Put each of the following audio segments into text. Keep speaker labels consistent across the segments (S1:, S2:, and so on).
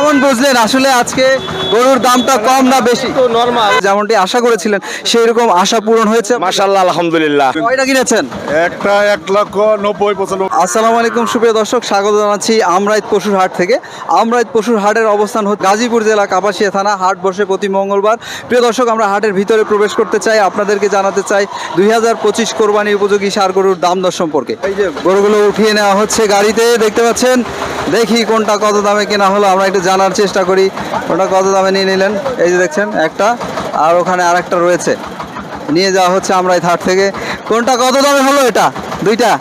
S1: কেমন বুঝলেন আসলে আজকে গরুর দামটা কম না বেশি?
S2: তো নরমাল।
S1: যেমনটি আশা করেছিলেন সেই রকম আশা পূরণ হয়েছে?
S2: মাশাআল্লাহ, আলহামদুলিল্লাহ।
S1: কয়টা কিনেছেন?
S3: একটা 1,90,95।
S1: আসসালামু আলাইকুম সুপ্রিয় দর্শক, স্বাগত জানাচ্ছি আমরাইত পশুর হাট থেকে। আমরাইত পশুর হাটের অবস্থান হচ্ছে গাজীপুর জেলা কাপাসিয়া থানা। হাট বসে প্রতি মঙ্গলবার। প্রিয় দর্শক, আমরা হাটের ভিতরে প্রবেশ করতে চাই, আপনাদেরকে জানাতে চাই 2025 কোরবানি উপযোগী ষাঁড় গরুর দাম দর সম্পর্কে। এই যে গরুগুলো উঠিয়ে নেওয়া হচ্ছে গাড়িতে, দেখতে পাচ্ছেন। দেখি কোনটা কত দামে কেনা হলো, আমরা একটু জানার চেষ্টা করি কোনটা কত দামে নিয়ে নিলেন। এই যে দেখছেন একটা, আর ওখানে আরেকটা রয়েছে, নিয়ে যাওয়া হচ্ছে আমরাইত হাট থেকে। কোনটা কত দামে হলো? এটা দুইটা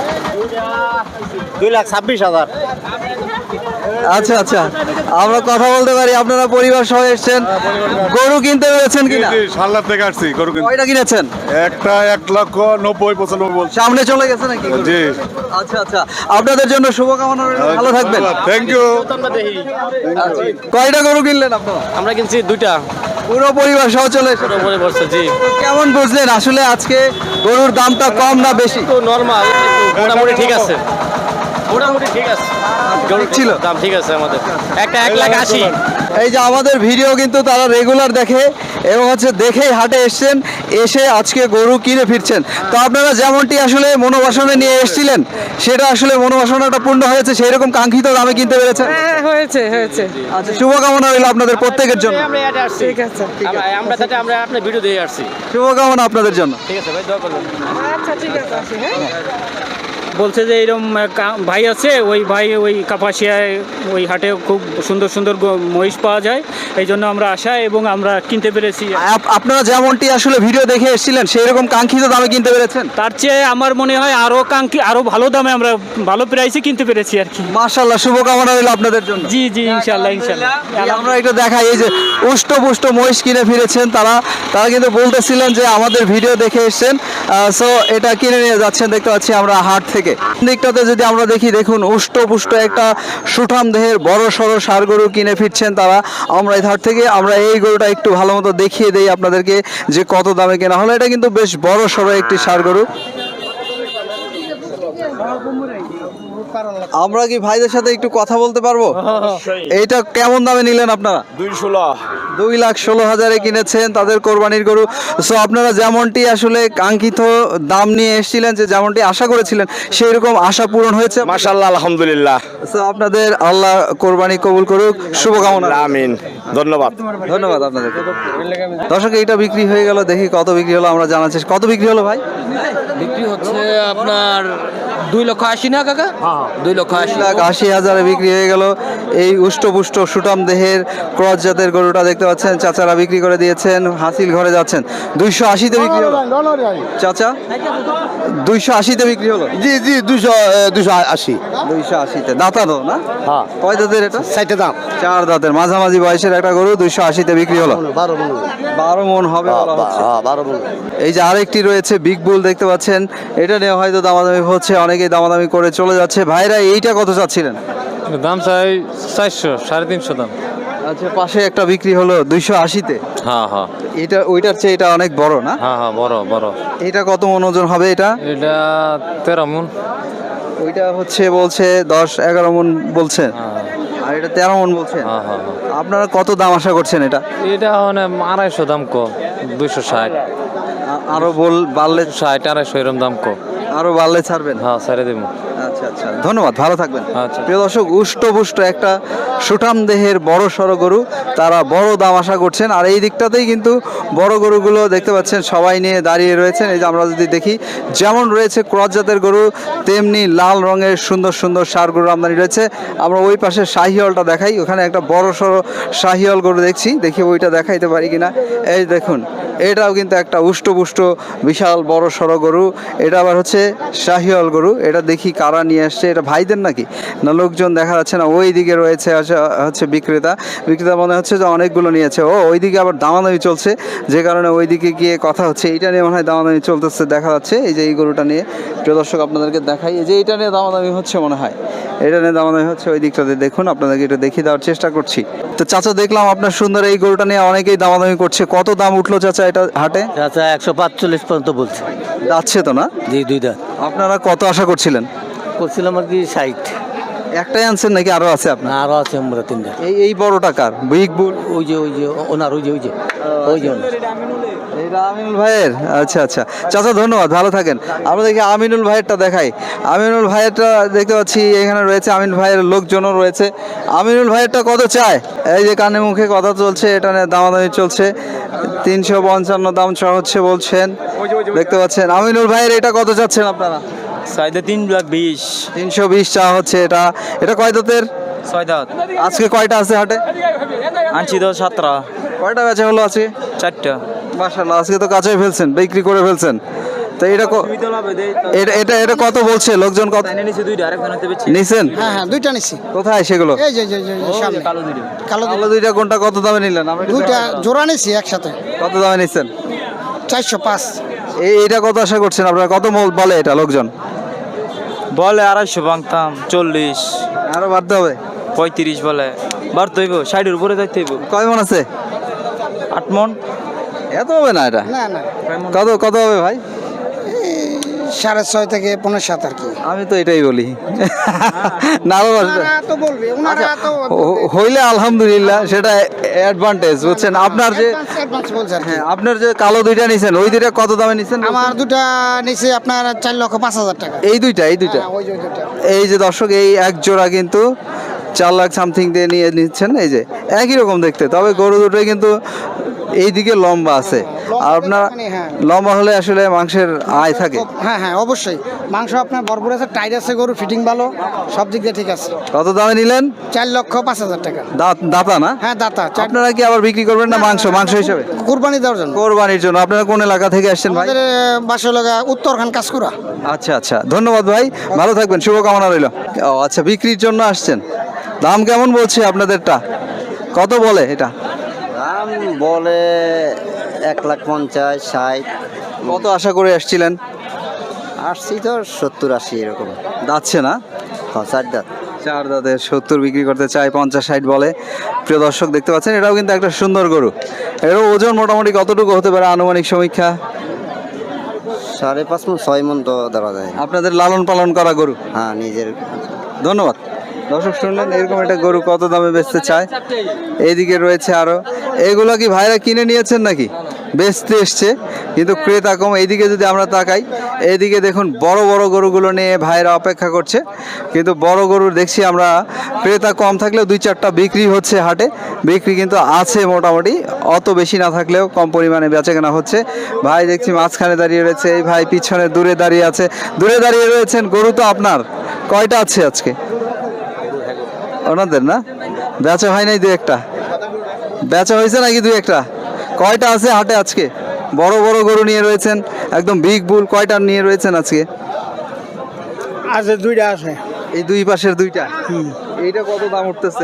S2: 2,26,000।
S1: আচ্ছা আচ্ছা, আমরা কথা বলতে পারি। আপনারা পরিবার সহ এসেছেন, গরু কিনতে পেরেছেন কিনা?
S3: সাল্লার থেকে আসছি গরু কিনতে।
S1: কয়টা কিনেছেন?
S3: একটা 1,90,95 বলছি।
S1: সামনে চলে গেছে নাকি গরু?
S3: জি।
S1: আচ্ছা আচ্ছা, আপনাদের জন্য শুভকামনা রইলো, ভালো থাকবেন।
S3: Thank you.
S1: আচ্ছা, কয়টা গরু কিনলেন আপনারা?
S2: আমরা কিনছি দুইটা,
S1: পুরো পরিবার সহ চলে এসেছেন।
S2: উপরে বসছে। জি,
S1: তো কেমন বুঝলেন আসলে আজকে গরুর দামটা কম না বেশি?
S2: তো নরমাল, মোটামুটি ঠিক আছে, মোটামুটি ঠিক আছে।
S1: ছিল
S2: দাম ঠিক আছে আমাদের। একটা 1,80,000।
S1: এই যে আমাদের ভিডিও কিন্তু তারা রেগুলার দেখে এবং হচ্ছে দেখেই হাটে এসছেন, এসে আজকে গরু কিনে ফিরছেন। তো আপনারা যেমনটি আসলে মনোবাসনে নিয়ে এসেছিলেন, সেটা আসলে মনোবাসনাটা পূর্ণ হয়েছে, সেই রকম কাঙ্ক্ষিত দামে কিনতে পেরেছেন?
S4: হ্যাঁ, হয়েছে হয়েছে।
S1: আচ্ছা, শুভকামনা রইল আপনাদের প্রত্যেকের জন্য।
S2: আমরা এটা আসছি।
S4: ঠিক আছে।
S2: আমরা আপনার ভিডিও দিয়ে আসছি।
S1: শুভকামনা আপনাদের জন্য।
S2: ঠিক আছে ভাই, দোয়া করবেন।
S4: আচ্ছা ঠিক আছে, আসি। হ্যাঁ,
S5: বলছে যে এরকম ভাই আছে, ওই ভাই ওই কাপাসিয়ায় ওই হাটে খুব সুন্দর সুন্দর মহিষ পাওয়া যায়, এই জন্য আমরা আসা এবং আমরা কিনতে পেরেছি।
S1: আপনারা যেমনটি আসলে ভিডিও দেখে এসেছিলেন, সেই রকম কাঙ্ক্ষিত দামে কিনতে পেরেছেন?
S5: তার চেয়ে আমার মনে হয় আরো ভালো দামে আমরা ভালো প্রাইসে কিনতে পেরেছি আর কি।
S1: মাশাআল্লাহ, শুভকামনা রইল আপনাদের জন্য।
S5: জি জি, ইনশাল্লাহ ইনশাল্লাহ।
S1: আমরা একটু দেখাই, এই যে উষ্টপুষ্ট মহিষ কিনে ফিরেছেন তারা কিন্তু বলতেছিলেন যে আমাদের ভিডিও দেখে এসেছেন, সো এটা কিনে নিয়ে যাচ্ছেন, দেখতে পাচ্ছি আমরা হাট থেকে। দিকটাতে যদি আমরা দেখি, দেখুন উষ্টপুষ্ট একটা সুঠাম দেহের বড় সড়ো ষাঁড় গরু কিনে ফিরছেন তারা আমরাইত হাট থেকে। আমরা এই গরুটা একটু ভালো মতো দেখিয়ে দেই আপনাদেরকে যে কত দামে কেনা হলো। এটা কিন্তু বেশ বড় সড়ো একটি ষাঁড় গরু। আমরা কি ভাইদের সাথে একটু কথা বলতে পারবো? এইটা কেমন দামে নিলেন আপনারা? 2,16,000 কিনেছেন তাদের কোরবানির গরু। সো আপনারা যেমনটি আসলে কাঙ্ক্ষিত দাম নিয়ে এসেছিলেন, যে যেমনটি আশা করেছিলেন, সেই রকম আশা পূরণ হয়েছে?
S2: মাশাআল্লাহ, আলহামদুলিল্লাহ।
S1: সো আপনাদের আল্লাহ কোরবানি কবুল করুক, শুভকামনা।
S2: আমিন, ধন্যবাদ।
S1: ধন্যবাদ আপনাদের। দর্শক, এইটা বিক্রি হয়ে গেল, দেখি কত বিক্রি হলো আমরা জানার চেষ্টা। কত বিক্রি হলো ভাই?
S6: বিক্রি হচ্ছে আপনার 2,80,000 না কাকা?
S1: 2,80,000 বিক্রি হয়ে গেল এই উষ্টপুষ্ট সুটাম দেহের ক্রস জাতের গরুটা। দেখতে পাচ্ছেন চাচারা বিক্রি করে দিয়েছেন, হাসিল ঘরে যাচ্ছেন। 280-তে বিক্রি হলো চাচা, 280-তে বিক্রি হলো।
S2: জি জি, 280।
S1: 280-তে দাঁতা তো না?
S2: হ্যাঁ।
S1: কয় দাঁতের এটা?
S2: 60 দাম।
S1: 4 দাঁতের মাঝামাঝি বয়সের একটা গরু 280-তে বিক্রি হলো। 12 মণ হবে বলা হচ্ছে।
S2: 12 বল।
S1: এই যে আরেকটি রয়েছে বিগ বুল, দেখতে পাচ্ছেন। এটা নিয়ে হয়তো দামাদামি হচ্ছে, অনেকেই দামাদামি করে চলে যাচ্ছে। ভাইরা এইটা কত চাচ্ছিলেন?
S7: দাম চাই 400, 350 দাম।
S1: আচ্ছা, পাশে একটা বিক্রি হলো 280-তে।
S7: হ্যাঁ হ্যাঁ
S1: এটা ওইটার চেয়ে এটা অনেক বড় না?
S7: হ্যাঁ হ্যাঁ, বড় বড়।
S1: এটা কত মণ ওজন হবে এটা?
S7: এটা 13 মণ।
S1: ওইটা হচ্ছে বলছে 10-11 মণ বলছে,
S7: হ্যাঁ
S1: আর এটা 13 মণ বলছে।
S7: হ্যাঁ হ্যাঁ।
S1: আপনারা কত দাম আশা করছেন এটা?
S7: এটা মানে 250 দাম কো, 260।
S1: আরো বাড়লে
S7: 60, 250 এরকম দাম কো।
S1: আরো বাড়লে ছাড়বেন?
S7: হ্যাঁ, ছেড়ে দেবো।
S1: আচ্ছা আচ্ছা, ধন্যবাদ, ভালো থাকবেন।
S7: আচ্ছা।
S1: প্রিয় দর্শক, উষ্টপুষ্ট একটা সুঠাম দেহের বড় সড়ো গরু, তারা বড় দাম আশা করছেন। আর এই দিকটাতেই কিন্তু বড় গরুগুলো দেখতে পাচ্ছেন সবাই নিয়ে দাঁড়িয়ে রয়েছেন। এই যে আমরা যদি দেখি, যেমন রয়েছে ক্রস জাতের গরু, তেমনি লাল রঙের সুন্দর সুন্দর ষাঁড় গরু আমদানি রয়েছে। আমরা ওই পাশে শাহিওয়ালটা দেখাই, ওখানে একটা বড় সড়ো শাহিওয়াল গরু দেখি ওইটা দেখাইতে পারি কিনা। এই দেখুন, এটাও কিন্তু একটা উষ্টপুষ্ট বিশাল বড় সড়ো গরু। এটা আবার হচ্ছে শাহিওয়াল গরু। এটা দেখি কারা নিয়ে আসছে, এটা ভাইদের নাকি না লোকজন দেখা যাচ্ছে না। ওই দিকে রয়েছে হচ্ছে বিক্রেতা মনে হচ্ছে যে অনেকগুলো নিয়েছে। ওইদিকে আবার দামাদামি চলছে, যে কারণে ওইদিকে গিয়ে কথা হচ্ছে। এইটা নিয়ে মনে হয় দামাদামি চলতেছে দেখা যাচ্ছে। এই যে এই গরুটা নিয়ে, প্রিয় দর্শক আপনাদেরকে দেখাই, এই যে এইটা নিয়ে দামাদামি হচ্ছে মনে হয়, এটা নিয়ে দামাদামি হচ্ছে ওই দিকটাতে। দেখুন, আপনাদেরকে এটা দেখিয়ে দেওয়ার চেষ্টা করছি। তো চাচা, দেখলাম আপনার সুন্দর এই গরুটা নিয়ে অনেকেই দামাদামি করছে। কত দাম উঠলো চাচা এটা হাটে?
S6: আচ্ছা, 145 পর্যন্ত বলছে।
S1: যাচ্ছে তো না?
S6: জি, 2 দাঁত।
S1: আপনারা কত আশা করছিলেন?
S6: করছিলাম আর কি 60।
S1: একটাই আনছেন নাকি আরো আছে আপনার?
S6: না আরো আছে আমরা তিনটা।
S1: এই বড়টা কার? বিগ বুল
S6: ওই যে ওনার ওই যে ওনার।
S1: এটা আমিনুল ভাইয়ের। আচ্ছা আচ্ছা চাচা ধন্যবাদ, ভালো থাকেন। আমরা দেখি আমিনুল ভাইয়েরটা দেখাই। আমিনুল ভাইয়েরটা দেখতে পাচ্ছি এখানে রয়েছে, আমিনুল ভাইয়ের লোকজনও রয়েছে। আমিনুল ভাইয়েরটা কত চায়? এই যে কানে মুখে কথা চলছে, এটা নিয়ে দামাদামি চলছে। 355 দাম চা হচ্ছে বলছেন, দেখতে পাচ্ছেন। আমিনুল ভাইয়ের এটা কত চাচ্ছেন আপনারা?
S2: সাইডে 3,20,000
S1: 320 চা হচ্ছে। এটা কয় দাঁতের?
S2: 6 দাঁত।
S1: আজকে কয়টা আছে হাটে?
S2: আনছি তো 17।
S1: কয়টা বেচা হলো আজকে?
S2: 4টা।
S1: মাশাআল্লাহ, আজকে তো কাঁচাই ফেলছেন, বিক্রি করে ফেলছেন। তো এটা কত বলছে লোকজন? কত
S2: নিচে 2টা, আরেকজন হতে বেচছি।
S1: নিছেন?
S8: হ্যাঁ দুইটা নিছি।
S1: কোথায় সেগুলো?
S8: এই যে সামনে
S2: কালো 2টা।
S8: কালো
S1: আলো দুইটা কোনটা কত দামে নিলেন? আমরা একটু
S8: দুইটা
S1: দেখাবো।
S8: জোড়া নিছি একসাথে
S1: কত দামে নিছেন?
S8: 405।
S1: এইটা কত আশা করছেন আপনারা? কত বলে এটা লোকজন?
S2: বলে 250 ভাঙতাম, 40,
S1: আরো বাড়তে হবে।
S2: 35 বলে। বাড়তে হইব, 60-এর উপরে যাইতে হইব।
S1: কয় মন আছে?
S2: 8 মন।
S1: এত হবে না এটা।
S8: না না
S1: কত হবে ভাই?
S8: 6.5 থেকে 5.7 আর কি।
S1: আমি তো এটাই বলি। না আরো বাড়বে।
S8: ওনারা তো বলবে, ওনারা তো
S1: হইলে আলহামদুলিল্লাহ, সেটা অ্যাডভান্টেজ বুঝছেন। আপনার যে
S8: অ্যাডভান্স বলছে আর কি।
S1: হ্যাঁ, আপনার যে কালো দুইটা নিছেন, ওই দুইটা কত দামে নিছেন?
S8: আমার দুটা নিছে আপনার 4,05,000 টাকা।
S1: এই দুইটা
S8: হ্যাঁ, ওই যে দুইটা।
S1: এই যে দর্শক, এই এক জোড়া কিন্তু 4 লাখ সামথিং দিয়ে নিয়ে নিচ্ছেন। এই যে একই রকম দেখতে, তবে গরু দুটোই কিন্তু এইদিকে লম্বা আছে। আর আপনার
S8: হ্যাঁ।
S1: লম্বা হলে আসলে মাংসের আয় থাকে।
S8: হ্যাঁ হ্যাঁ অবশ্যই। মাংস আপনার ভরপুর আছে, টাইট আছে, গরু ফিটিং ভালো, সব দিক দিয়ে ঠিক আছে।
S1: কত দামে নিলেন?
S8: 4,05,000 টাকা।
S1: দাতা না?
S8: হ্যাঁ দাতা।
S1: আপনারা কি আবার বিক্রি করবেন না মাংস হিসেবে?
S8: কুরবানি দেওয়ার জন্য।
S1: কোরবানির জন্য। আপনারা কোন এলাকা থেকে আসছেন ভাই?
S8: আমাদের বাসা লগা উত্তরখান কাজকুরা।
S1: আচ্ছা আচ্ছা, ধন্যবাদ ভাই, ভালো থাকবেন, শুভকামনা রইল। ও আচ্ছা, বিক্রির জন্য আসছেন। দাম কেমন বলছে আপনাদেরটা? কত বলে এটা?
S9: দাম বলে 1,50,000, 60।
S1: কত আশা করে আসছিলেন?
S9: আসছি তো 70-80 এরকম।
S1: যাচ্ছে না?
S9: 4 দাঁত।
S1: 4 দাঁতের 70 বিক্রি করতে চাই, 50-60 বলে। প্রিয় দর্শক দেখতে পাচ্ছেন, এটাও কিন্তু একটা সুন্দর গরু। এর ওজন মোটামুটি কতটুকু হতে পারে আনুমানিক সমীক্ষা?
S9: 5.5 মণ, 6 মণ তো ধরা যায়।
S1: আপনাদের লালন পালন করা গরু?
S9: হ্যাঁ নিজের।
S1: ধন্যবাদ। দর্শক শুনলেন, এরকম একটা গরু কত দামে বেচতে চায়। এইদিকে রয়েছে আরো। এগুলো কি ভাইরা কিনে নিয়েছেন নাকি বেচতে এসছে? কিন্তু ক্রেতা কম। এইদিকে যদি আমরা তাকাই, এইদিকে দেখুন বড় বড় গরুগুলো নিয়ে ভাইরা অপেক্ষা করছে। কিন্তু বড় গরুর দেখছি আমরা ক্রেতা কম থাকলেও 2-4টা বিক্রি হচ্ছে হাটে। বিক্রি কিন্তু আছে মোটামুটি, অত বেশি না থাকলেও কম পরিমাণে বেচাকেনা হচ্ছে। ভাই দেখছি মাঝখানে দাঁড়িয়ে রয়েছে, এই ভাই পিছনে দূরে দাঁড়িয়ে আছে। দূরে দাঁড়িয়ে রয়েছেন। গরু তো আপনার কয়টা আছে আজকে? ওনাদের না? বেচা হয় নাই? 2-1টা বেচা হয়েছে নাকি? 2-1টা? কয়টা আছে হাটে আজকে? বড় বড় গরু নিয়ে রয়েছেন, একদম বিগ বুল। কয়টা নিয়ে রয়েছেন আজকে?
S8: আছে দুইটা আছে।
S1: এই দুই পাশের দুইটা। এইটা কত দাম উঠতেছে?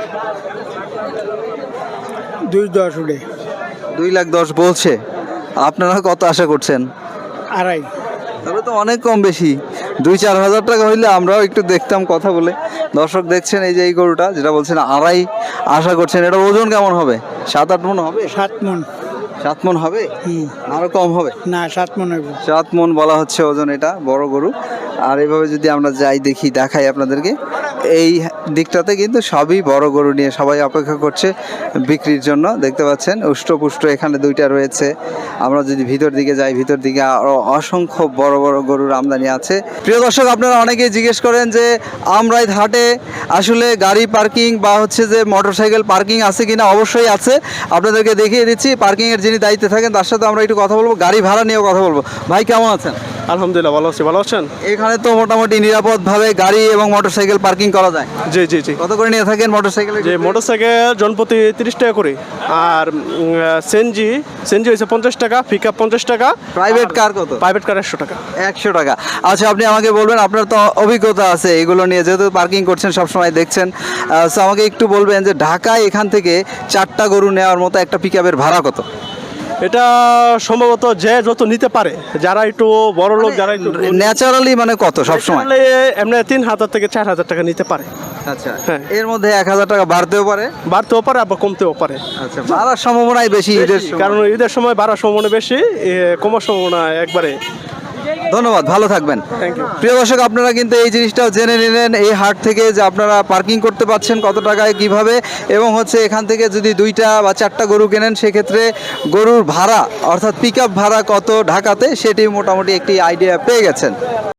S8: 2.10 উঠে।
S1: 2,10,000 বলছে। আপনারা কত আশা করছেন?
S8: 2.5।
S1: তবে তো অনেক কম বেশি। 2-4 হাজার টাকা হইলে আমরাও একটু দেখতাম কথা বলে। দর্শক দেখছেন, এই যে এই গরুটা যেটা বলছেন 2.5 আশা করছেন, এটা ওজন কেমন হবে? 7-8 মণ হবে?
S8: 7 মণ।
S1: 7 মণ হবে? আরো কম হবে?
S8: না 7 মণ হইব।
S1: 7 মণ বলা হচ্ছে ওজন, এটা বড় গরু। আর এইভাবে যদি আমরা যাই দেখাই আপনাদেরকে, এই দিকটাতে কিন্তু সবই বড় গরু নিয়ে সবাই অপেক্ষা করছে বিক্রির জন্য। দেখতে পাচ্ছেন উষ্টপুষ্ট এখানে দুইটা রয়েছে। আমরা যদি ভিতর দিকে যাই, ভিতর দিকে আরও অসংখ্য বড় বড় গরুর আমদানি আছে। প্রিয় দর্শক, আপনারা অনেকেই জিজ্ঞেস করেন যে আমরাই হাটে আসলে গাড়ি পার্কিং বা হচ্ছে যে মোটরসাইকেল পার্কিং আছে কিনা। অবশ্যই আছে, আপনাদেরকে দেখিয়ে দিচ্ছি। পার্কিংয়ের যিনি দায়িত্বে থাকেন তার সাথে আমরা একটু কথা বলবো, গাড়ি ভাড়া নিয়েও কথা বলবো। ভাই কেমন আছেন?
S10: আলহামদুলিল্লাহ ভালো আছি, ভালো আছেন?
S1: এখানে তো মোটামুটি নিরাপদভাবে গাড়ি এবং মোটরসাইকেল পার্কিং করা যায়।
S10: জি জি জি।
S1: কত করে নিয়ে থাকেন মোটরসাইকেল?
S10: যে মোটরসাইকেল জনপ্রতি 30 টাকা করে, আর সিএনজি হয়েছে 50 টাকা, পিকআপ 50 টাকা।
S1: প্রাইভেট কার কত?
S10: প্রাইভেট কার 100 টাকা।
S1: 100 টাকা। আচ্ছা, আপনি আমাকে বলবেন, আপনার তো অভিজ্ঞতা আছে এগুলো নিয়ে, যেহেতু পার্কিং করছেন সবসময় দেখছেন। সো আমাকে একটু বলবেন যে ঢাকায় এখান থেকে 4টা গরু নেওয়ার মতো একটা পিকআপের ভাড়া কত?
S10: এটা সম্ভবত যে যত নিতে পারে, যারা একটু বড় লোক, যারা একটু
S1: ন্যাচারালি মানে কত সবসময়?
S10: এমনি 3,000 থেকে 4,000 টাকা নিতে পারে।
S1: আচ্ছা,
S10: হ্যাঁ।
S1: এর মধ্যে 1,000 টাকা বাড়তেও পারে?
S10: বাড়তেও পারে, আবার কমতেও পারে।
S1: আচ্ছা, বাড়ার সম্ভাবনাই বেশি ঈদের সময়।
S10: কারণ ঈদের সময় বাড়ার সম্ভাবনা বেশি, কমার সম্ভাবনা একবারে।
S1: ধন্যবাদ, ভালো থাকবেন। প্রিয় দর্শক, আপনারা কিন্তু এই জিনিসটাও জেনে নিলেন এই হাট থেকে যে আপনারা পার্কিং করতে পারছেন কত টাকায় কিভাবে, এবং হচ্ছে এখান থেকে যদি 2টা বা 4টা গরু কেনেন সেক্ষেত্রে গরুর ভাড়া অর্থাৎ পিক আপ ভাড়া কত ঢাকাতে সেটি মোটামুটি একটি আইডিয়া পেয়ে গেছেন।